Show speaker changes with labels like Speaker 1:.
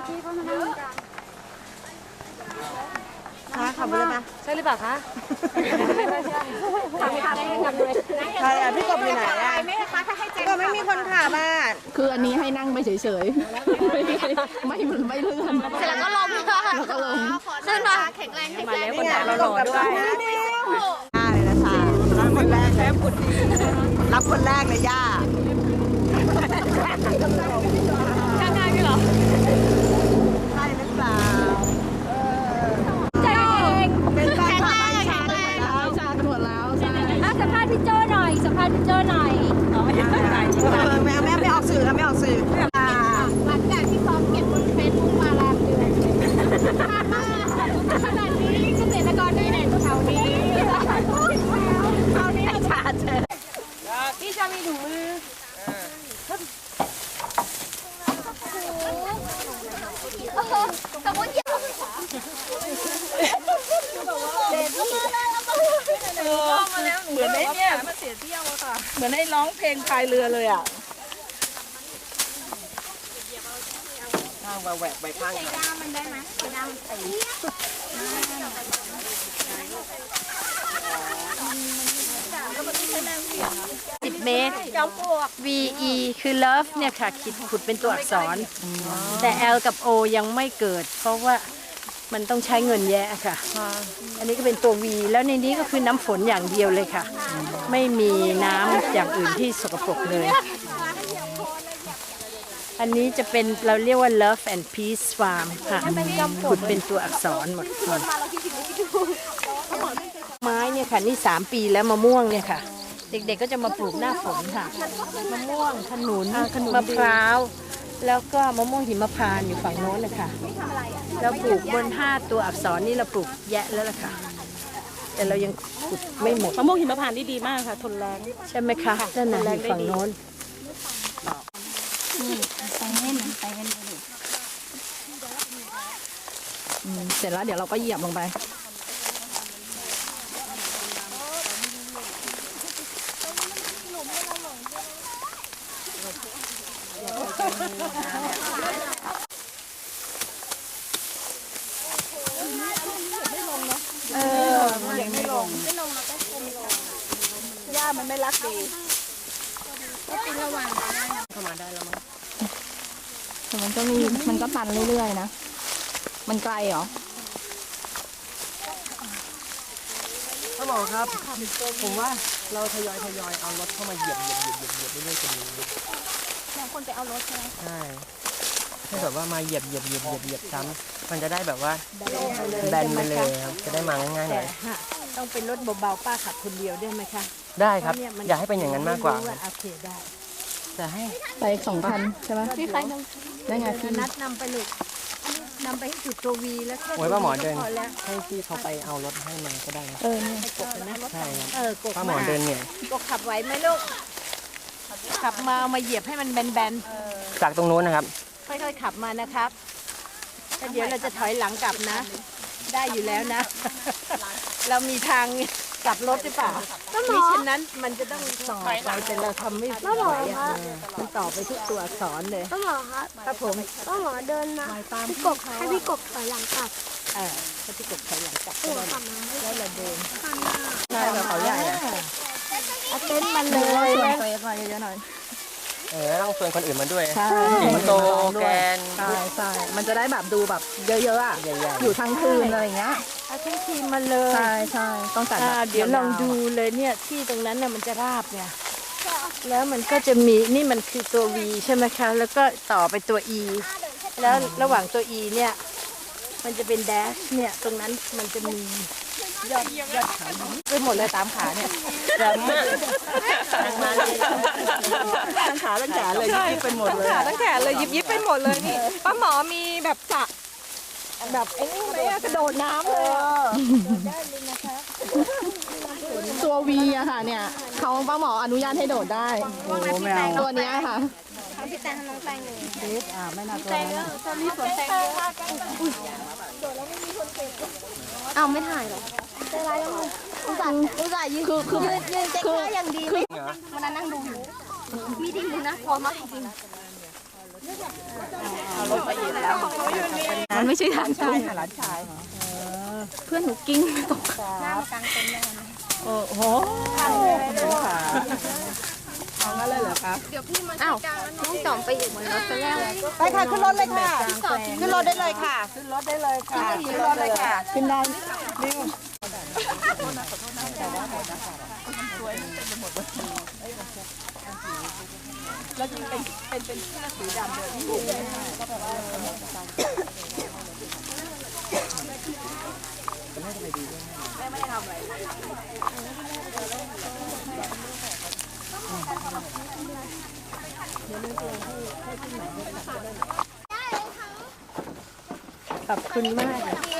Speaker 1: พี่เขามานั่งกัน
Speaker 2: คะขับไปเลยไหม
Speaker 3: ใช่หรือเปล่าคะ
Speaker 2: ใครอ่ะพี่กบอยู่ไหนอ่ะก็ไม่มีคนขับอ่ะ
Speaker 4: คืออันนี้ให้นั่งไปเฉยๆไม่เลื่อน
Speaker 1: เสร็จแล้วก็ลงค่ะ
Speaker 4: แล้วก็ลง
Speaker 1: ขึ้นมาแข็งแรงแข็งแรง
Speaker 2: นี่ไงเราลงกับด้วยย่าเลยนะชารับคนแรกเลยรับคนแรกเลยย่า
Speaker 1: ข้างๆพี่เหรอ
Speaker 2: ใช่หรือเปล่า
Speaker 1: ใจเอง
Speaker 2: เป็นแฟน
Speaker 1: แข็ง
Speaker 2: คลั
Speaker 1: แร
Speaker 2: บ
Speaker 1: งแข็งแรง
Speaker 4: ชากันหมดแล้วใช่
Speaker 1: สัมภาษณ์พี่โจ้หน่อยสัมภาษณ์พี่โจ้หน่อย
Speaker 2: แม่ไม่ออกสื่อแล้วไม่ออกสื่อ
Speaker 1: หลังจากที่ซ้อมเก็บบนเฟซบุ๊กมาแรมเดือนขนาดนี้เกษตรกรได้ไหนแถวนี้แถวนี้ชาเจอพี่จะมีถุงมือสมมติเยอะ
Speaker 4: เหมือนไอ้เนี่ยเหมือนไอ้ร้องเพลงพายเรือเลยอ่ะ
Speaker 2: ข้างแหวกไปข้าง
Speaker 1: ใส่ด้ามมันได้ไหมใส่ด้ามมันตี
Speaker 3: 10 เมตร VE คือ love เนี่ยค่ะขุดเป็นตัวอักษร แต่ L กับ O ยังไม่เกิด เพราะว่ามันต้องใช้เงินแยะค่ะ อันนี้ก็เป็นตัว V แล้วในนี้ก็คือน้ำฝนอย่างเดียวเลยค่ะ ไม่มีน้ำอย่างอื่นที่สกปรกเลย อันนี้จะเป็นเราเรียกว่า Love and Peace Farm ค่ะขุดเป็นตัวอักษรหมดเลยไม้เนี่ยค่ะนี่ 3 ปีแล้วมะม่วงเนี่ยค่ะ เด็กๆก็จะมาปลูกหน้าฝนค่ะมะม่วงขนุนมะพร้าวแล้วก็มะม่วงหิมพานต์อยู่ฝั่งโน้นเลยค่ะเราปลูกบน5ตัวอักษรนี่เราปลูกแยะแล้วล่ะค่ะแต่เรายังขุดไม่หมด
Speaker 4: มะม่วงหิมพานต์นี่ดีมากค่ะทนแรง
Speaker 3: ใช่ไหมคะด้านในฝั่งโน้น
Speaker 4: เสร็จแล้วเดี๋ยวเราก็เหยียบลงไป
Speaker 2: ยังไม่ลงย่ามันไม่รักดีเข้ามาได้แล้วมั้ง
Speaker 4: แต่มันก็ตันเรื่อยๆนะมันไกลเหรอ
Speaker 5: พ่อหมอครับผมว่าเราทยอยเอารถเข้ามาเหยียบเรื่อยๆกันนี้คนไปเอารถใช่ไหมใช่ให้แบบว่ามาเหยียบซ้ำมันจะได้แบบว่าแบนไปเลยครับจะได้มาง่ายๆหน่อย
Speaker 3: ต้องเป็นรถเบาๆป้าขับคนเดียวได้ไหมคะ
Speaker 5: ได้ครับอยากให้เป็นอย่างนั้นมากกว่า
Speaker 3: โอเคได้
Speaker 5: แต่ให้
Speaker 4: ไป2,000ใช่ไหมพี่ใครได้ไงพี่
Speaker 3: นัดนำไปลูกนำไปให้จุดตัววีแล้วแค่
Speaker 5: โอ้ยป้าหมอเดิน
Speaker 3: พอแล้ว
Speaker 5: ให้พี่เขาไปเอารถให้มันก็ได้นะ
Speaker 4: เนี่ย
Speaker 3: กบนะ
Speaker 5: ใช่ครับ
Speaker 3: กบ
Speaker 5: ป้าหมอเดินเนี่ย
Speaker 3: กบขับไหวไหมลูกขับมาเอามาเหยียบให้มันแบน
Speaker 5: จากตรงนู้นนะครับ
Speaker 3: ๆค่อยๆขับมานะครับแล้วเดี๋ยวเราจะถอยหลังกลับนะ ได้อยู่แล้วนะ เรามีทางกลับรถหรือเปล่ามิฉะนั้นมันจะต้องต่อไปแต่เราทำไม่ไหวอะมันต่อไปทุกตัวอักษรเลย
Speaker 1: ป้าหมอครับ
Speaker 3: ครับผม
Speaker 1: ป้าหมอเดินมาพี่กบให้พี่กบถอยหลังกลับ
Speaker 3: ถ้าพี่กบถอยหลังกลับ
Speaker 1: หัวขับมา
Speaker 3: แล้วเราเดิน
Speaker 2: ใช่แบบเขาใหญ่อะ
Speaker 3: เอาเต็นท์มันเล
Speaker 4: ช
Speaker 3: ย
Speaker 4: วนเฟซมาเยอะๆหน่อย
Speaker 5: ต้องชวนคนอื่นมาด้วย
Speaker 4: ใช่
Speaker 5: สิงโตแกน
Speaker 4: ใช่มันจะได้แบบดูแบบเยอะๆอ่ะ
Speaker 5: ใหญ่ๆ
Speaker 4: อยู่ทั้งคืนอะไรอย่างเงี้ย
Speaker 3: เอาทั้งทีมมาเลย
Speaker 4: ใช่ต้องจัดแบบ
Speaker 3: เดี๋ยวลองดูเลยเนี่ยที่ตรงนั้นน่ะมันจะราบไงแล้วมันก็จะมีนี่มันคือตัว V ใช่ไหมคะ แล้วก็ต่อไปตัว E แล้วระหว่างตัว E เนี่ยมันจะเป็นแดชเนี่ยตรงนั้นมันจะมียอดขาไปหมดเลยตามขาเนี่ยแบบมาเลย
Speaker 2: ทั้งขาทั้งแขนเลยยิบเป็นหมดเลย
Speaker 6: ขาตั้งแขนเลยยิบไปหมดเลยนี่ป้าหมอมีแบบสระแบบไอ้นี่ไหมอะกระโดดน้ำเลยอะ
Speaker 4: ตัววีอะค่ะเนี่ยเขาป้าหมออนุญาตให้โดดได้
Speaker 2: โอ้แมว
Speaker 4: ตัวเนี้ยค่ะ
Speaker 1: พี่แตงน้องแตงเลย
Speaker 2: ไม่น่าตัวนั้น
Speaker 1: ตอนนี้สวนแตงเอาไม่ถ่ายหรอใจร้ายแล้วมึงอุตส่าห์ยืนยืนเจ๊กท่าอย่างดีเลยวันนั้นนั่งดูอยู่มีดีเลยนะพอมากจริง
Speaker 2: เอารถไปเหยียบแล้ว
Speaker 1: มันไม่ใช่ทาง
Speaker 2: ใช่ค่ะหลานชาย
Speaker 1: เพื่อนหนูกิ้งตก
Speaker 3: โอ้โห
Speaker 2: เอางั้นเลยเหรอคะ
Speaker 1: อ้าวน้องจอมไปอีกเหมือนรถไปแล้ว
Speaker 2: ไปค่ะขึ้นรถเลยค่ะขึ้นรถได้เลยค่ะขึ้นรถได้เลยค่ะขึ้นรถเลยค่ะขึ้นได้แล้วจริงเป็นเสื้อสีดำเลยที่
Speaker 3: ขอบคุณมาก